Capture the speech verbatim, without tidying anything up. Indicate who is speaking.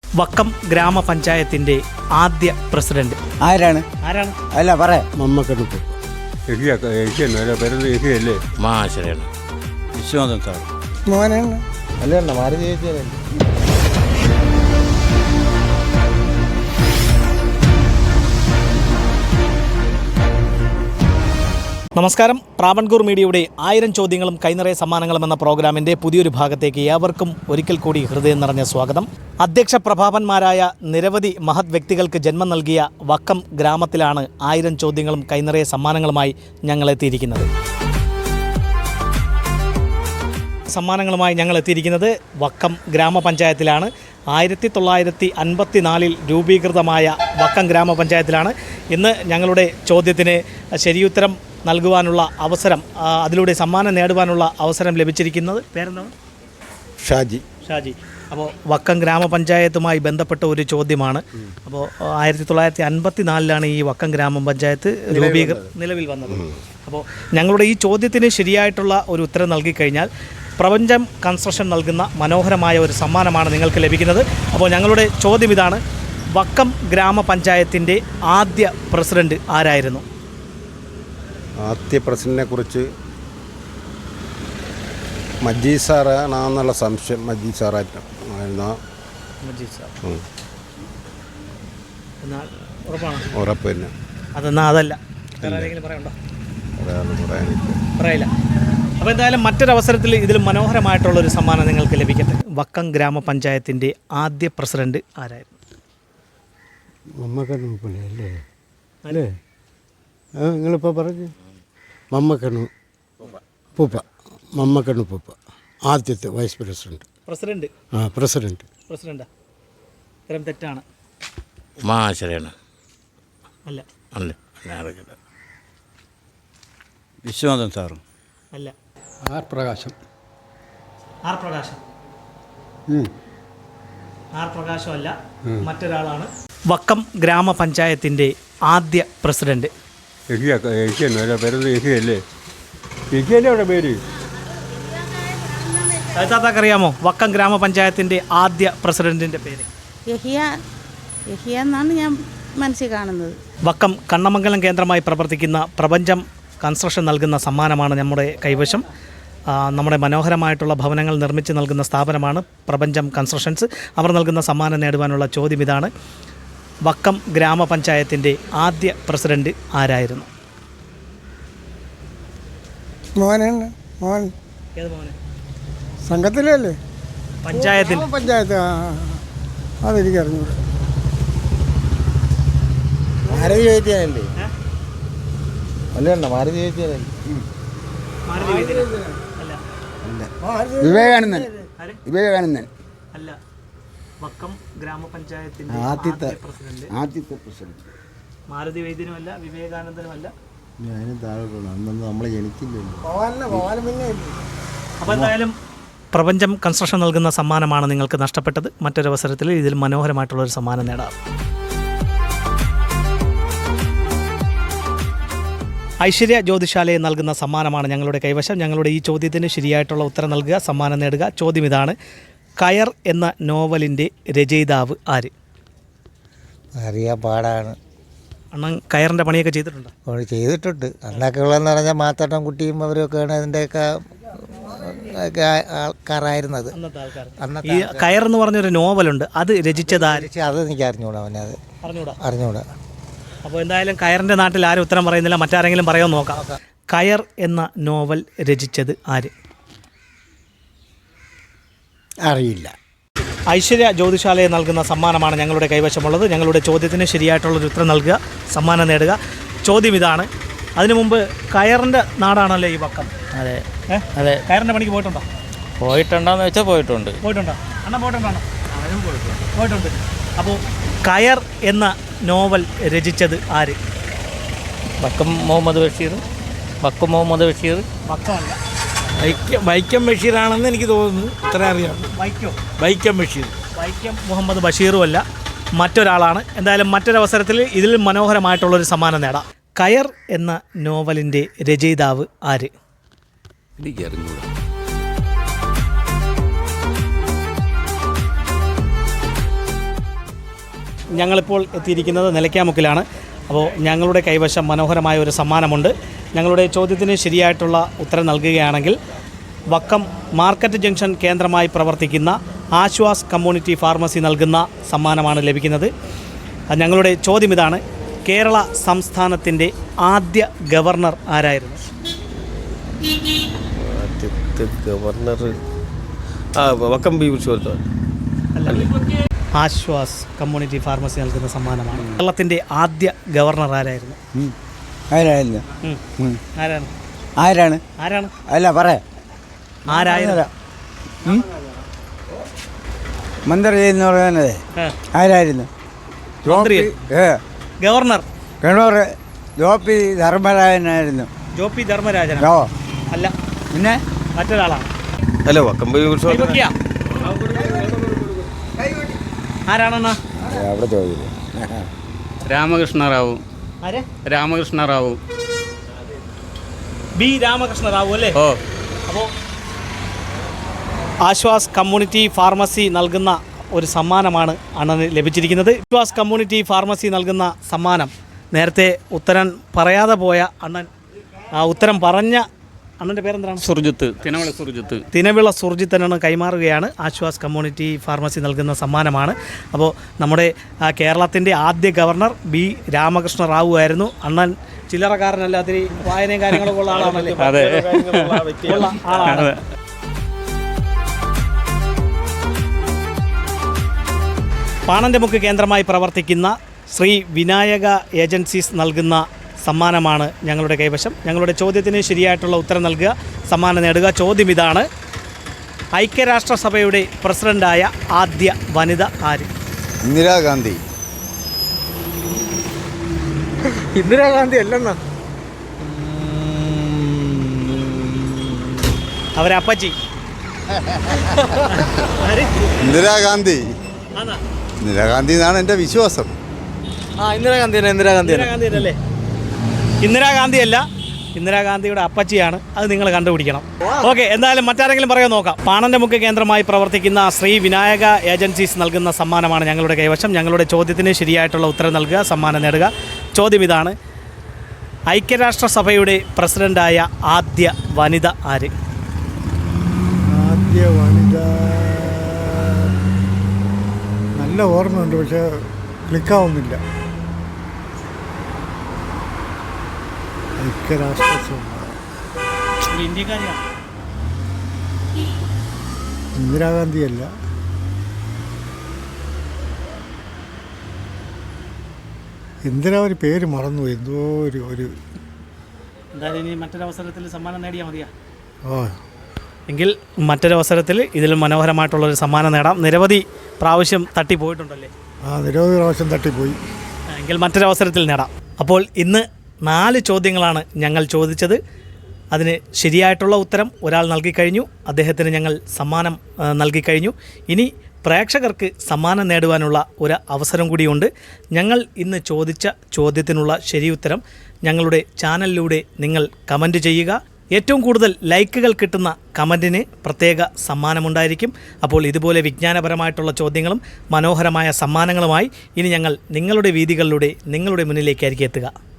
Speaker 1: വക്കം ഗ്രാമപഞ്ചായത്തിന്റെ ആദ്യ പ്രസിഡന്റ്
Speaker 2: ആരാണ്
Speaker 1: ആരാണ്
Speaker 2: അല്ല പറയാ
Speaker 3: മമ്മക്കടുപ്പ്
Speaker 4: പേരല്ലേ
Speaker 3: മാശരാണ്
Speaker 4: വിശ്വനാഥൻ സാർ
Speaker 2: മോനാണ്
Speaker 4: അല്ല മാരുതി ചേച്ചിയല്ലേ.
Speaker 1: നമസ്കാരം. പ്രാവൺകൂർ മീഡിയയുടെ ആയിരം ചോദ്യങ്ങളും കൈനിറയ സമ്മാനങ്ങളും എന്ന പ്രോഗ്രാമിൻ്റെ പുതിയൊരു ഭാഗത്തേക്ക് ഏവർക്കും ഒരിക്കൽ കൂടി ഹൃദയം നിറഞ്ഞ സ്വാഗതം. അധ്യക്ഷ പ്രഭാവന്മാരായ നിരവധി മഹത് വ്യക്തികൾക്ക് ജന്മം നൽകിയ വക്കം ഗ്രാമത്തിലാണ് ആയിരം ചോദ്യങ്ങളും കൈനിറയ സമ്മാനങ്ങളുമായി ഞങ്ങൾ എത്തിയിരിക്കുന്നത്. സമ്മാനങ്ങളുമായി ഞങ്ങൾ എത്തിയിരിക്കുന്നത് വക്കം ഗ്രാമപഞ്ചായത്തിലാണ്. ആയിരത്തി തൊള്ളായിരത്തി അൻപത്തി നാലിൽ രൂപീകൃതമായ വക്കം ഗ്രാമപഞ്ചായത്തിലാണ്. ഇന്ന് ഞങ്ങളുടെ ചോദ്യത്തിന് ശരിയുത്തരം നൽകുവാനുള്ള അവസരം, അതിലൂടെ സമ്മാനം നേടുവാനുള്ള അവസരം ലഭിച്ചിരിക്കുന്നത്. പേരെന്താണ്?
Speaker 4: ഷാജി.
Speaker 1: ഷാജി. അപ്പോൾ വക്കം ഗ്രാമപഞ്ചായത്തുമായി ബന്ധപ്പെട്ട ഒരു ചോദ്യമാണ്. അപ്പോൾ ആയിരത്തി തൊള്ളായിരത്തി അൻപത്തി നാലിലാണ് ഈ വക്കം ഗ്രാമപഞ്ചായത്ത് രൂപീകൃ നിലവിൽ വന്നത്. അപ്പോൾ ഞങ്ങളുടെ ഈ ചോദ്യത്തിന് ശരിയായിട്ടുള്ള ഒരു ഉത്തരം നൽകിക്കഴിഞ്ഞാൽ പ്രപഞ്ചം കൺസ്ട്രക്ഷൻ നൽകുന്ന മനോഹരമായ ഒരു സമ്മാനമാണ് നിങ്ങൾക്ക് ലഭിക്കുന്നത്. അപ്പോൾ ഞങ്ങളുടെ ചോദ്യം ഇതാണ്: വക്കം ഗ്രാമപഞ്ചായത്തിൻ്റെ ആദ്യ പ്രസിഡന്റ് ആരായിരുന്നു?
Speaker 4: ആദ്യ പ്രസിഡന്റിനെ കുറിച്ച് മജീദ് സാറാണെന്നുള്ള സംശയം. മജീദ് സാറായിരുന്നു.
Speaker 1: മജീദ് സാർ. എന്നാൽ ഉറപ്പാണ്?
Speaker 4: ഉറപ്പ് തന്നെ.
Speaker 1: അതെന്നാ അതല്ല, വേറെ ആരെങ്കിലും പറയണ്ടോ?
Speaker 4: അതാണ് പറയാനില്ല.
Speaker 1: പറയില്ല. അപ്പോൾ എന്തായാലും മറ്റൊരവസരത്തിൽ ഇതിൽ മനോഹരമായിട്ടുള്ളൊരു സമ്മാനം നിങ്ങൾക്ക് ലഭിക്കട്ടെ. വക്കം ഗ്രാമപഞ്ചായത്തിൻ്റെ ആദ്യ പ്രസിഡന്റ് ആരായിരുന്നു?
Speaker 3: മമ്മക്കണ്ണൂപ്പല്ലേ അല്ലേ അല്ലേ ആ നിങ്ങളിപ്പോൾ പറഞ്ഞു. മമ്മക്കണ്ണു പൂപ്പ മമ്മക്കണ്ണു പൂപ്പ ആദ്യത്തെ വൈസ് പ്രസിഡന്റ്.
Speaker 1: പ്രസിഡന്റ്
Speaker 3: ആ പ്രസിഡന്റ്
Speaker 1: പ്രസിഡന്റാ? ഇത്തരം തെറ്റാണ്.
Speaker 3: മാശരാണ്.
Speaker 1: അല്ല.
Speaker 3: അല്ല
Speaker 4: വിശ്വനാഥൻ സാറും
Speaker 1: അല്ല.
Speaker 3: ആർ പ്രകാശം.
Speaker 1: ആർ പ്രകാശം ആർ പ്രകാശം അല്ല, മറ്റൊരാളാണ്. വക്കം ഗ്രാമപഞ്ചായത്തിൻ്റെ ആദ്യ പ്രസിഡന്റ്.
Speaker 4: പേരല്ലേ അവിടെ പേര്
Speaker 1: അറിയാമോ വക്കം ഗ്രാമപഞ്ചായത്തിൻ്റെ ആദ്യ പ്രസിഡന്റിൻ്റെ പേര്?
Speaker 5: യഹിയ യഹിയ എന്നാണ് ഞാൻ മനസ്സിൽ കാണുന്നത്.
Speaker 1: വക്കം കണ്ണമംഗലം കേന്ദ്രമായി പ്രവർത്തിക്കുന്ന പ്രപഞ്ചം കൺസ്ട്രക്ഷൻ നൽകുന്ന സമ്മാനമാണ് നമ്മുടെ കൈവശം. നമ്മുടെ മനോഹരമായിട്ടുള്ള ഭവനങ്ങൾ നിർമ്മിച്ച് നൽകുന്ന സ്ഥാപനമാണ് പ്രപഞ്ചം കൺസ്ട്രക്ഷൻസ്. അവർ നൽകുന്ന സമ്മാനം നേടുവാനുള്ള ചോദ്യം ഇതാണ്: വക്കം ഗ്രാമപഞ്ചായത്തിൻ്റെ ആദ്യ പ്രസിഡന്റ് ആരായിരുന്നു?
Speaker 2: മോനാണ് മോൻ.
Speaker 1: ഏത് മോനെ?
Speaker 2: സംഘത്തിലല്ലേ?
Speaker 1: പഞ്ചായത്തിൽ.
Speaker 2: പഞ്ചായത്ത്. അതെനിക്ക് അറിഞ്ഞൂടെ.
Speaker 4: മാരുതി ചേച്ചിയല്ലേ? അല്ല മാരുതി ചേച്ചിയല്ലേ?
Speaker 2: വിവേകാനന്ദൻ. വിവേകാനന്ദൻ
Speaker 1: അല്ല. വക്കം ഗ്രാമപഞ്ചായത്തിൻ്റെ
Speaker 2: ആദ്യത്തെ
Speaker 1: പ്രസിഡന്റ്
Speaker 2: ആദ്യത്തെ പ്രസിഡന്റ്
Speaker 1: മാരുതി വൈദ്യനുമല്ല, വിവേകാനന്ദനുമല്ല.
Speaker 4: ഞാനും താഴെ അന്നൊന്നും നമ്മളെ ജനിക്കില്ലല്ലോ.
Speaker 1: അപ്പോൾ എന്തായാലും പ്രപഞ്ചം കൺസ്ട്രക്ഷൻ നൽകുന്ന സമ്മാനമാണ് നിങ്ങൾക്ക് നഷ്ടപ്പെട്ടത്. മറ്റൊരവസരത്തിൽ ഇതിൽ മനോഹരമായിട്ടുള്ളൊരു സമ്മാനം നേടാം. ഐശ്വര്യ ജ്യോതിശാലയെ നൽകുന്ന സമ്മാനമാണ് ഞങ്ങളുടെ കൈവശം. ഞങ്ങളുടെ ഈ ചോദ്യത്തിന് ശരിയായിട്ടുള്ള ഉത്തരം നൽകുക, സമ്മാനം നേടുക. ചോദ്യം ഇതാണ്: കയർ എന്ന നോവലിൻ്റെ രചയിതാവ് ആര്?
Speaker 6: അറിയാൻ പാടാണ്.
Speaker 1: അണ്ണൻ കയറിൻ്റെ പണിയൊക്കെ ചെയ്തിട്ടുണ്ടോ?
Speaker 6: അവർ ചെയ്തിട്ടുണ്ട്. അന്നൊക്കെ ഉള്ളതെന്ന് പറഞ്ഞാൽ മാത്തട്ടം കുട്ടിയും അവരൊക്കെയാണ് അതിൻ്റെയൊക്കെ ആൾക്കാരായിരുന്നത്.
Speaker 1: ഈ കയർ എന്ന് പറഞ്ഞൊരു നോവലുണ്ട്, അത് രചിച്ചത് ആര്?
Speaker 6: അത് എനിക്ക് അറിഞ്ഞൂടാ. അവനെ അത്
Speaker 1: അറിഞ്ഞൂടാ
Speaker 6: അറിഞ്ഞൂടാ.
Speaker 1: അപ്പോൾ എന്തായാലും കയറിൻ്റെ നാട്ടിൽ ആരും ഉത്തരം പറയുന്നില്ല. മറ്റാരെങ്കിലും പറയാൻ നോക്കാം. കയർ എന്ന നോവൽ രചിച്ചത് ആര്?
Speaker 6: അറിയില്ല.
Speaker 1: ഐശ്വര്യ ജ്യോതിശാലയെ നൽകുന്ന സമ്മാനമാണ് ഞങ്ങളുടെ കൈവശമുള്ളത്. ഞങ്ങളുടെ ചോദ്യത്തിന് ശരിയായിട്ടുള്ളൊരു ഉത്തരം നൽകുക, സമ്മാനം നേടുക. ചോദ്യം ഇതാണ്: അതിനു മുമ്പ് കയറിൻ്റെ നാടാണല്ലോ ഈ വക്കം.
Speaker 7: അതെ അതെ.
Speaker 1: കയറിൻ്റെ പണിക്ക് പോയിട്ടുണ്ടോ?
Speaker 7: പോയിട്ടുണ്ടോയെന്ന് വെച്ചാൽ പോയിട്ടുണ്ട്.
Speaker 1: പോയിട്ടുണ്ടോ? അണ്ണ പോയിട്ടുണ്ടോ? പോയിട്ടുണ്ട്. അപ്പോൾ കയർ എന്ന നോവൽ രചിച്ചത് ആര്?
Speaker 7: വക്കം മുഹമ്മദ് ബഷീർ. വക്കം മുഹമ്മദ് ബഷീർ.
Speaker 1: വക്കമല്ല.
Speaker 3: വൈക്കം വൈക്കം ബഷീറാണെന്ന് എനിക്ക് തോന്നുന്നു. ഇത്ര അറിയാം.
Speaker 1: വൈക്കം
Speaker 3: വൈക്കം ബഷീർ.
Speaker 1: വൈക്കം മുഹമ്മദ് ബഷീറും അല്ല, മറ്റൊരാളാണ്. എന്തായാലും മറ്റൊരവസരത്തിൽ ഇതിൽ മനോഹരമായിട്ടുള്ളൊരു സമ്മാനം നേടാം. കയർ എന്ന നോവലിൻ്റെ രചയിതാവ് ആര്?
Speaker 3: എനിക്കറിഞ്ഞൂടാ.
Speaker 1: ഞങ്ങളിപ്പോൾ എത്തിയിരിക്കുന്നത് നിലയ്ക്കാമുക്കിലാണ്. അപ്പോൾ ഞങ്ങളുടെ കൈവശം മനോഹരമായ ഒരു സമ്മാനമുണ്ട്. ഞങ്ങളുടെ ചോദ്യത്തിന് ശരിയായിട്ടുള്ള ഉത്തരം നൽകുകയാണെങ്കിൽ വക്കം മാർക്കറ്റ് ജംഗ്ഷൻ കേന്ദ്രമായി പ്രവർത്തിക്കുന്ന ആശ്വാസ് കമ്മ്യൂണിറ്റി ഫാർമസി നൽകുന്ന സമ്മാനമാണ് ലഭിക്കുന്നത്. ഞങ്ങളുടെ ചോദ്യം ഇതാണ്: കേരള സംസ്ഥാനത്തിൻ്റെ ആദ്യ ഗവർണർ ആരായിരുന്നു?
Speaker 8: ആദ്യത്തെ ഗവർണർ ആ വക്കം ബി ഉത്സവത്തോ
Speaker 1: ആശ്വാസ് കമ്മ്യൂണിറ്റി ഫാർമസി നൽകുന്ന സമ്മാനമാണ്. കേരളത്തിൻ്റെ ആദ്യ ഗവർണർ ആരായിരുന്നു?
Speaker 2: ആരായിരുന്നു
Speaker 1: ഉം. ആരാണ്
Speaker 2: ആരാണ്
Speaker 1: ആരാണ്
Speaker 2: അല്ല പറയാ
Speaker 1: ആരായിരുന്നു?
Speaker 2: മന്ത്രി എന്ന് പറയുന്നത്
Speaker 1: ആ,
Speaker 2: ആരായിരുന്നു?
Speaker 1: മന്ത്രി
Speaker 2: ഏ
Speaker 1: ഗവർണർ
Speaker 2: ഗവർണർ ജോപ്പി ധർമ്മരാജനായിരുന്നു.
Speaker 1: ജോ പി ധർമ്മരാജൻ
Speaker 2: ഓ
Speaker 1: അല്ല,
Speaker 2: പിന്നെ
Speaker 1: മറ്റൊരാളാണ്.
Speaker 8: അല്ല വക്കം ബി ഉത്സവം
Speaker 1: കൈവയ്ക്കുക. ആരാണെന്നാ?
Speaker 2: അവിടെ ചോദിച്ചു
Speaker 9: രാമകൃഷ്ണ റാവു
Speaker 1: ആരെ?
Speaker 9: രാമകൃഷ്ണ റാവു
Speaker 1: ബി രാമകൃഷ്ണ റാവു അല്ലേ?
Speaker 9: ഓ
Speaker 1: അപ്പോൾ ആശ്വാസ് കമ്മ്യൂണിറ്റി ഫാർമസി നൽകുന്ന ഒരു സമ്മാനമാണ് അണ്ണന് ലഭിച്ചിരിക്കുന്നത്. ആശ്വാസ് കമ്മ്യൂണിറ്റി ഫാർമസി നൽകുന്ന സമ്മാനം നേരത്തെ ഉത്തരം പറയാതെ പോയ അണ്ണൻ, ആ ഉത്തരം പറഞ്ഞ അണ്ണൻ്റെ പേരെന്താണ്?
Speaker 9: സുർജിത്ത് തിനവള സുർജിത്ത്
Speaker 1: തിനവിള സുർജിത്തനാണ് കൈമാറുകയാണ്. ആശ്വാസ് കമ്മ്യൂണിറ്റി ഫാർമസി നൽകുന്ന സമ്മാനമാണ്. അപ്പോൾ നമ്മുടെ ആ, കേരളത്തിൻ്റെ ആദ്യ ഗവർണർ ബി രാമകൃഷ്ണ റാവു ആയിരുന്നു. അണ്ണൻ ചില്ലറക്കാരനല്ല, അതിരി വായനയും കാര്യങ്ങളൊക്കെ ഉള്ള ആളാണല്ലേ?
Speaker 9: അതെ
Speaker 1: ഉള്ള ആളാണ്. പാണൻ്റെ കേന്ദ്രമായി പ്രവർത്തിക്കുന്ന ശ്രീ വിനായക ഏജൻസീസ് നൽകുന്ന സമ്മാനമാണ് ഞങ്ങളുടെ കൈവശം. ഞങ്ങളുടെ ചോദ്യത്തിന് ശരിയായിട്ടുള്ള ഉത്തരം നൽകുക, സമ്മാനം നേടുക. ചോദ്യം ഇതാണ്: ഐക്യരാഷ്ട്രസഭയുടെ പ്രസിഡൻ്റായ ആദ്യ വനിത ആര്?
Speaker 4: ഇന്ദിരാഗാന്ധി.
Speaker 2: ഇന്ദിരാഗാന്ധി അല്ലെന്നാ
Speaker 1: അവരപ്പച്ചി.
Speaker 4: ഇന്ദിരാഗാന്ധി
Speaker 1: ആണോ?
Speaker 4: ഇന്ദിരാഗാന്ധി എന്നാണ് എൻ്റെ വിശ്വാസം.
Speaker 3: ആ ഇന്ദിരാഗാന്ധി തന്നെ ഇന്ദിരാഗാന്ധി തന്നെ
Speaker 1: ഇന്ദിരാഗാന്ധി അല്ലേ? ഇന്ദിരാഗാന്ധിയല്ല, ഇന്ദിരാഗാന്ധിയുടെ അപ്പച്ചിയാണ്. അത് നിങ്ങൾ കണ്ടുപിടിക്കണം. ഓക്കെ, എന്തായാലും മറ്റാരെങ്കിലും പറയാൻ നോക്കാം. പാണൻ്റെ മുഖ്യ കേന്ദ്രമായി പ്രവർത്തിക്കുന്ന ശ്രീ വിനായക ഏജൻസീസ് നൽകുന്ന സമ്മാനമാണ് ഞങ്ങളുടെ കൈവശം. ഞങ്ങളുടെ ചോദ്യത്തിന് ശരിയായിട്ടുള്ള ഉത്തരം നൽകുക, സമ്മാനം നേടുക. ചോദ്യം ഇതാണ്: ഐക്യരാഷ്ട്രസഭയുടെ പ്രസിഡൻ്റായ ആദ്യ വനിത ആര്?
Speaker 2: ആദ്യ വനിത നല്ല ഓർമ്മയുണ്ട്, പക്ഷെ ക്ലിക്കാവുന്നില്ല. ഐക്യരാഷ്ട്രസഭ
Speaker 1: ഇന്ത്യക്കാരിയാണ്.
Speaker 2: ഇന്ദിരാഗാന്ധിയല്ല. ഇന്ദിരാ ഒരു പേര് മറന്നു, എന്തോ ഒരു ഒരു
Speaker 1: എന്തായാലും ഇനി മറ്റൊരവസരത്തിൽ സമ്മാനം നേടിയാൽ മതിയാ?
Speaker 2: ഓ
Speaker 1: എങ്കിൽ മറ്റൊരവസരത്തിൽ ഇതിൽ മനോഹരമായിട്ടുള്ളൊരു സമ്മാനം നേടാം. നിരവധി പ്രാവശ്യം തട്ടി പോയിട്ടുണ്ടല്ലേ?
Speaker 2: ആ നിരവധി പ്രാവശ്യം തട്ടിപ്പോയി.
Speaker 1: എങ്കിൽ മറ്റൊരവസരത്തിൽ നേടാം. അപ്പോൾ ഇന്ന് നാല് ചോദ്യങ്ങളാണ് ഞങ്ങൾ ചോദിച്ചത്. അതിന് ശരിയായിട്ടുള്ള ഉത്തരം ഒരാൾ നൽകിക്കഴിഞ്ഞു. അദ്ദേഹത്തിന് ഞങ്ങൾ സമ്മാനം ആ, നൽകിക്കഴിഞ്ഞു. ഇനി പ്രേക്ഷകർക്ക് സമ്മാനം നേടുവാനുള്ള ഒരു അവസരം കൂടിയുണ്ട്. ഞങ്ങൾ ഇന്ന് ചോദിച്ച ചോദ്യത്തിനുള്ള ശരിയുത്തരം ഞങ്ങളുടെ ചാനലിലൂടെ നിങ്ങൾ കമൻറ്റ് ചെയ്യുക. ഏറ്റവും കൂടുതൽ ലൈക്കുകൾ കിട്ടുന്ന കമൻറ്റിന് പ്രത്യേക സമ്മാനമുണ്ടായിരിക്കും. അപ്പോൾ ഇതുപോലെ വിജ്ഞാനപരമായിട്ടുള്ള ചോദ്യങ്ങളും മനോഹരമായ സമ്മാനങ്ങളുമായി ഇനി ഞങ്ങൾ നിങ്ങളുടെ വീതികളിലൂടെ നിങ്ങളുടെ മുന്നിലേക്കായിരിക്കും എത്തുക.